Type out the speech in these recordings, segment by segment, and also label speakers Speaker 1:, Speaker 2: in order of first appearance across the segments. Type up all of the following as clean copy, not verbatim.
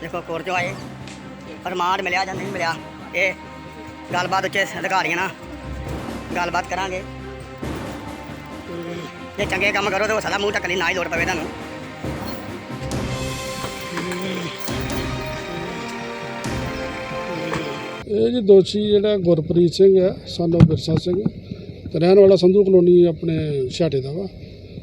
Speaker 1: देखो कोर्ट चो आए रिमांड मिले या नहीं मिले, ये गलबात उच्चे अधिकारियों ना गलबात करांगे। जे चंगे काम करो तो हो सकता मूँह ढकने ना ही लोड़ पवे तुहानूं।
Speaker 2: ਇਹ ਜੀ ਦੋਸ਼ੀ ਜਿਹੜਾ ਗੁਰਪ੍ਰੀਤ ਸਿੰਘ ਹੈ ਸਾਨੂੰ ਬਿਰਸਾ ਸਿੰਘ ਤੇ ਰਹਿਣ ਵਾਲਾ ਸੰਧੂ ਕਲੋਨੀ ਆਪਣੇ ਛਾਟੇ ਦਾ ਵਾ।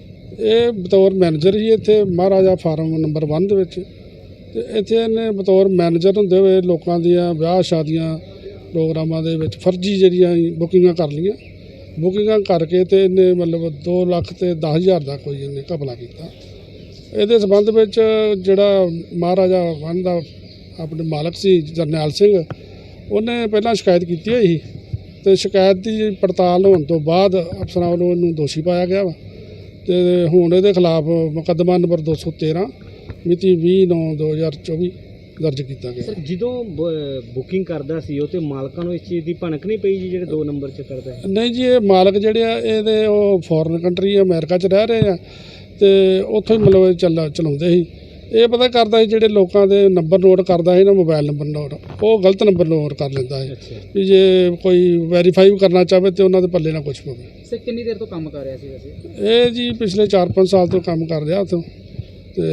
Speaker 2: ਇਹ ਬਤੌਰ ਮੈਨੇਜਰ ਹੀ ਇੱਥੇ ਮਹਾਰਾਜਾ ਫਾਰਮ ਨੰਬਰ 1 ਦੇ ਵਿੱਚ, ਤੇ ਇੱਥੇ ਇਹਨੇ ਬਤੌਰ ਮੈਨੇਜਰ ਹੁੰਦੇ ਹੋਏ ਲੋਕਾਂ ਦੀਆਂ ਵਿਆਹ ਸ਼ਾਦੀਆਂ ਪ੍ਰੋਗਰਾਮਾਂ ਦੇ ਵਿੱਚ ਫਰਜ਼ੀ ਜਿਹੜੀਆਂ ਬੁਕਿੰਗਾਂ ਕਰ ਲਈਆਂ। ਬੁਕਿੰਗਾਂ ਕਰਕੇ ਤੇ ਇਹਨੇ ਮਤਲਬ 2 ਲੱਖ ਤੇ 10,000 ਦਾ ਕੋਈ ਇਹਨੇ ਘਪਲਾ ਕੀਤਾ। ਇਹਦੇ ਸੰਬੰਧ ਵਿੱਚ ਜਿਹੜਾ ਮਹਾਰਾਜਾ ਵਨ ਦਾ ਆਪਣੇ ਮਾਲਕ ਸੀ ਜਰਨੈਲ ਸਿੰਘ, ਉਹਨੇ ਪਹਿਲਾਂ ਸ਼ਿਕਾਇਤ ਕੀਤੀ ਹੋਈ ਸੀ, ਤੇ ਸ਼ਿਕਾਇਤ ਦੀ ਪੜਤਾਲ ਹੋਣ ਤੋਂ ਬਾਅਦ ਅਫਸਰਾਂ ਵੱਲੋਂ ਇਹਨੂੰ ਦੋਸ਼ੀ ਪਾਇਆ ਗਿਆ ਵਾ। ਤੇ ਹੁਣ ਇਹਦੇ ਖਿਲਾਫ ਮੁਕੱਦਮਾ ਨੰਬਰ 213 ਮਿਤੀ 20/9/2024 ਦਰਜ ਕੀਤਾ ਗਿਆ।
Speaker 3: ਸਰ ਜਦੋਂ ਬੁਕਿੰਗ ਕਰਦਾ ਸੀ ਉਹ ਤੇ ਮਾਲਕਾਂ ਨੂੰ ਇਸ ਚੀਜ਼ ਦੀ ਭਣਕ ਨਹੀਂ ਪਈ ਜੀ ਜਿਹੜੇ 2 ਨੰਬਰ 'ਚ ਕਰਦਾ ਹੈ?
Speaker 2: ਨਹੀਂ ਜੀ, ਇਹ ਮਾਲਕ ਜਿਹੜੇ ਆ ਇਹਦੇ ਉਹ ਫੋਰਨ ਕੰਟਰੀ ਅਮਰੀਕਾ 'ਚ ਰਹਿ ਰਹੇ ਆ, ਤੇ ਉੱਥੋਂ ਹੀ ਮਤਲਬ ਚਲਾਉਂਦੇ ਸੀ। ਇਹ ਪਤਾ ਕਰਦਾ ਸੀ ਜਿਹੜੇ ਲੋਕਾਂ ਦੇ ਨੰਬਰ ਨੋਟ ਕਰਦਾ ਸੀ ਨਾ, ਮੋਬਾਈਲ ਨੰਬਰ ਨੋਟ, ਉਹ ਗਲਤ ਨੰਬਰ ਨੋਟ ਕਰ ਲੈਂਦਾ ਹੈ ਵੀ ਜੇ ਕੋਈ ਵੈਰੀਫਾਈ ਕਰਨਾ ਚਾਹਵੇ ਤੇ ਉਹਨਾਂ ਦੇ ਪੱਲੇ ਨਾ ਕੁਛ ਪਵੇ।
Speaker 3: ਸਰ ਕਿੰਨੀ ਦੇਰ ਤੋਂ ਕੰਮ ਕਰ ਰਿਹਾ ਸੀ ਵੈਸੇ?
Speaker 2: ਇਹ ਜੀ ਪਿਛਲੇ 4-5 ਸਾਲ ਤੋਂ ਕੰਮ ਕਰ ਰਿਹਾ ਉੱਥੋਂ, ਤੇ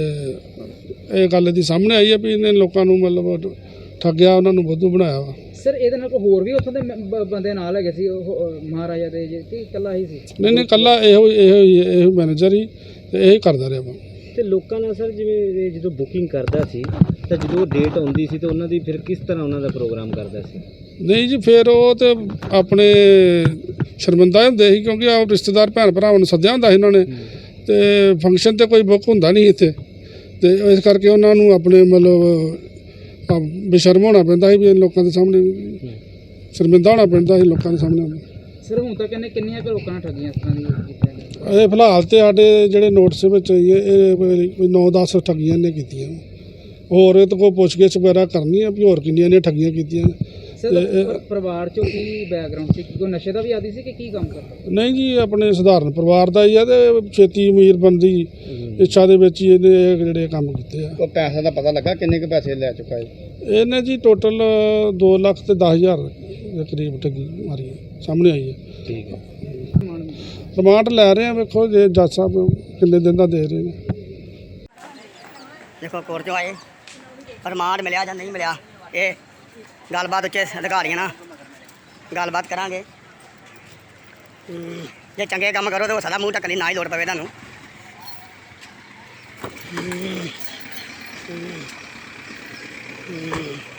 Speaker 2: ਇਹ ਗੱਲ ਦੀ ਸਾਹਮਣੇ ਆਈ ਹੈ ਵੀ ਇਹਨੇ ਲੋਕਾਂ ਨੂੰ ਮਤਲਬ ਠੱਗਿਆ, ਉਹਨਾਂ ਨੂੰ ਬੁੱਧੂ ਬਣਾਇਆ ਵਾ।
Speaker 3: ਸਰ ਇਹਦੇ ਨਾਲ ਕੋਈ ਹੋਰ ਵੀ ਉੱਥੋਂ ਦੇ ਬੰਦੇ ਨਾਲ ਹੈਗੇ ਸੀ ਉਹ ਮਹਾਰਾਜਾ ਦੇ ਜੀ ਕਿ ਇਕੱਲਾ ਹੀ ਸੀ?
Speaker 2: ਨਹੀਂ, ਇਕੱਲਾ ਇਹੋ ਮੈਨੇਜਰ ਹੀ ਤੇ ਇਹੀ ਕਰਦਾ ਰਿਹਾ ਵਾ।
Speaker 3: ਤੇ ਲੋਕਾਂ ਨਾਲ ਸਰ ਜਿਵੇਂ ਜਦੋਂ ਬੁਕਿੰਗ ਕਰਦਾ ਸੀ ਤਾਂ ਜਦੋਂ ਡੇਟ ਆਉਂਦੀ ਸੀ ਤਾਂ ਉਹਨਾਂ ਦੀ ਫਿਰ ਕਿਸ ਤਰ੍ਹਾਂ ਉਹਨਾਂ ਦਾ ਪ੍ਰੋਗਰਾਮ ਕਰਦਾ ਸੀ?
Speaker 2: ਨਹੀਂ ਜੀ, ਫਿਰ ਉਹ ਤੇ ਆਪਣੇ ਸ਼ਰਮਿੰਦਾ ਹੁੰਦੇ ਸੀ, ਕਿਉਂਕਿ ਆਪ ਰਿਸ਼ਤੇਦਾਰ ਭੈਣ ਭਰਾਵਾਂ ਨੂੰ ਸੱਦਿਆ ਹੁੰਦਾ ਸੀ ਉਹਨਾਂ ਨੇ, ਤੇ ਫੰਕਸ਼ਨ ਤੇ ਕੋਈ ਬੁੱਕ ਹੁੰਦਾ ਨਹੀਂ ਇੱਥੇ, ਤੇ ਇਸ ਕਰਕੇ ਉਹਨਾਂ ਨੂੰ ਆਪਣੇ ਮਤਲਬ ਬੇਸ਼ਰਮ ਹੋਣਾ ਪੈਂਦਾ ਸੀ ਵੀ ਲੋਕਾਂ ਦੇ ਸਾਹਮਣੇ, ਸ਼ਰਮਿੰਦਾ ਹੋਣਾ ਪੈਂਦਾ ਸੀ ਲੋਕਾਂ ਦੇ ਸਾਹਮਣੇ।
Speaker 3: ਸਰ ਹੁਣ ਤੱਕ ਇਹਨੇ ਕਿੰਨੀਆਂ ਕੁ ਲੋਕਾਂ ਨਾਲ ਠੱਗੀਆਂ ਇਸ ਤਰ੍ਹਾਂ ਦੀਆਂ?
Speaker 2: ਇਹ ਫਿਲਹਾਲ ਤੇ ਸਾਡੇ ਜਿਹੜੇ ਨੋਟਿਸ ਵਿੱਚ ਇਹ ਕੋਈ 9-10 ਠੱਗੀਆਂ ਨੇ ਕੀਤੀਆਂ। ਹੋਰ ਇਹ ਤੋਂ ਕੋਈ ਪੁੱਛਗਿੱਛ ਵਗੈਰਾ ਕਰਨੀ ਆ ਵੀ ਹੋਰ ਕਿੰਨੀਆਂ ਨੇ ਠੱਗੀਆਂ ਕੀਤੀਆਂ।
Speaker 3: ਸਰ ਪਰਿਵਾਰ ਚੋਂ ਕੀ ਬੈਕਗ੍ਰਾਉਂਡ ਸੀ? ਕੋਈ ਨਸ਼ੇ ਦਾ ਵੀ ਆਦੀ ਸੀ ਕਿ ਕੀ ਕੰਮ ਕਰਦਾ?
Speaker 2: ਨਹੀਂ ਜੀ, ਆਪਣੇ ਸਧਾਰਨ ਪਰਿਵਾਰ ਦਾ ਹੀ ਆ, ਤੇ ਛੇਤੀ ਅਮੀਰ ਬਣਨ ਦੀ ਇੱਛਾ ਦੇ ਵਿੱਚ ਹੀ ਇਹਨੇ ਜਿਹੜੇ ਕੰਮ ਕੀਤੇ ਆ।
Speaker 4: ਉਹ ਪੈਸੇ ਦਾ ਪਤਾ ਲੱਗਾ ਕਿੰਨੇ ਕੁ ਪੈਸੇ ਲੈ ਚੁੱਕਾ ਹੈ?
Speaker 2: ਇਹਨੇ ਜੀ ਟੋਟਲ 2 ਲੱਖ ਤੇ 10,000 ਦੇ ਕਰੀਬ ਠੱਗੀ ਮਾਰੀ ਹੈ, ਸਾਹਮਣੇ ਆਈ ਹੈ।
Speaker 4: ਠੀਕ ਹੈ।
Speaker 2: ਰਿਮਾਂਡ ਲੈ ਰਹੇ ਆ, ਵੇਖੋ ਜੇ ਜੱਜ ਸਾਹਿਬ ਕਿੰਨੇ ਦਿਨ ਦਾ ਦੇ ਰਹੇ ਨੇ।
Speaker 1: देखो कोर्ट चो आए रिमांड मिले या नहीं मिले, ये गलबात उच्चे अधिकारियों ना गलबात करांगे। जे चंगे काम करो तो हो सकता मूँह ढकने ना ही लोड़ पवे तुहानूं।